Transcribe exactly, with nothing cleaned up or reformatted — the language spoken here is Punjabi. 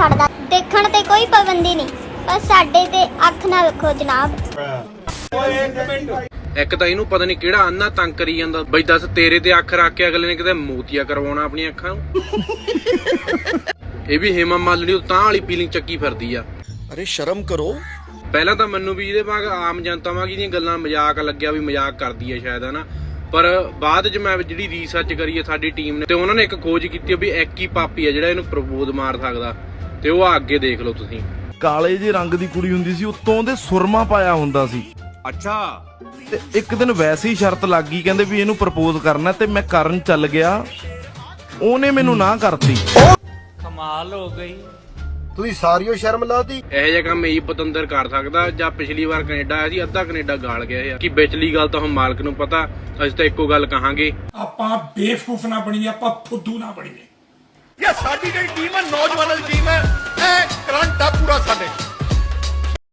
ਛੱਡਦਾ। ਦੇਖਣ ਤੇ ਕੋਈ ਪਾਬੰਦੀ ਨਹੀਂ, ਪਰ ਸਾਡੇ ਤੇ ਅੱਖ ਨਾ ਰੱਖੋ ਜਨਾਬ। ਇੱਕ ਤਾਂ ਇਹਨੂੰ ਪਤਾ ਨਹੀਂ ਕਿਹੜਾ ਅੰਨਾ ਤੰਗ ਕਰੀ ਜਾਂਦਾ ਬਈ। ਦੱਸ ਤੇਰੇ ਤੇ ਅੱਖ ਰੱਖ ਕੇ ਅਗਲੇ ਨੇ ਕਿਤੇ ਮੋਤੀਆ ਕਰਵਾਉਣਾ ਆਪਣੀਆਂ ਅੱਖਾਂ ਨੂੰ। ਇਹ ਵੀ ਹੇਮਾ ਮਾਲਿਨੀ ਤਾਂ ਵਾਲੀ ਫੀਲਿੰਗ ਚੱਕੀ ਫਿਰਦੀ ਆ। ਅਰੇ ਸ਼ਰਮ ਕਰੋ। ਪਹਿਲਾਂ ਤਾਂ ਮੈਨੂੰ ਵੀ ਇਹਦੇ ਵਾਂਗ ਆਮ ਜਨਤਾ ਵਾਂਗ ਇਹਦੀਆਂ ਗੱਲਾਂ ਮਜ਼ਾਕ ਲੱਗਿਆ ਵੀ ਮਜ਼ਾਕ ਕਰਦੀ ਹੈ ਸ਼ਾਇਦ, ਹਨਾ। ਪਰ ਬਾਅਦ ਚ ਮੈਂ ਜਿਹੜੀ ਰਿਸਰਚ ਕਰੀ ਹੈ ਸਾਡੀ ਟੀਮ ਨੇ, ਤੇ ਉਹਨਾਂ ਨੇ ਇੱਕ ਖੋਜ ਕੀਤੀ ਵੀ ਇੱਕ ਹੀ ਪਾਪੀ ਆ ਜਿਹੜਾ ਇਹਨੂੰ ਪ੍ਰਪੋਜ਼ ਮਾਰ ਸਕਦਾ। ਤੇ ਉਹ ਆ ਅੱਗੇ ਦੇਖ ਲਓ ਤੁਸੀਂ। ਕਾਲੇ ਜਿਹੇ ਰੰਗ ਦੀ ਕੁੜੀ ਹੁੰਦੀ ਸੀ, ਉੱਤੋਂ ਉਹਦੇ ਸੁਰਮਾ ਪਾਇਆ ਹੁੰਦਾ ਸੀ। ਅੱਛਾ। ਤੇ ਇੱਕ ਦਿਨ ਵੈਸੇ ਹੀ ਸ਼ਰਤ ਲੱਗ ਗਈ, ਕਹਿੰਦੇ ਵੀ ਇਹਨੂੰ ਪ੍ਰਪੋਜ਼ ਕਰਨਾ, ਤੇ ਮੈਂ ਕਰਨ ਚੱਲ ਗਿਆ। ਉਹਨੇ ਮੈਨੂੰ ਨਾ ਕਰਤੀ। ਕਮਾਲ ਹੋ ਗਈ। ਤੁਸੀਂ ਸਾਰੀਓ ਸ਼ਰਮ ਲਾਤੀ। ਇਹੋ ਜਿਹਾ ਕੰਮ ਇਹੀ ਪਤੰਦਰ ਕਰ ਸਕਦਾ। ਜਾਂ ਪਿਛਲੀ ਵਾਰ ਕੈਨੇਡਾ ਆਇਆ ਸੀ, ਅੱਧਾ ਕੈਨੇਡਾ ਗਾਲ ਗਿਆ ਹੈ ਕਿ ਵਿਚਲੀ ਗੱਲ ਤਾਂ ਹੁਣ ਮਾਲਕ ਨੂੰ ਪਤਾ। ਅਸੀਂ ਤਾਂ ਇੱਕੋ ਗੱਲ ਕਹਾਂਗੇ, ਆਪਾਂ ਬੇਵਕੂਫ ਨਾ ਬਣੀਏ, ਆਪਾਂ ਫੁੱਦੂ ਨਾ ਬਣੀਏ। ਇਹ ਸਾਡੀ ਜਿਹੜੀ ਟੀਮ ਹੈ ਨੌਜਵਾਨਾਂ ਦੀ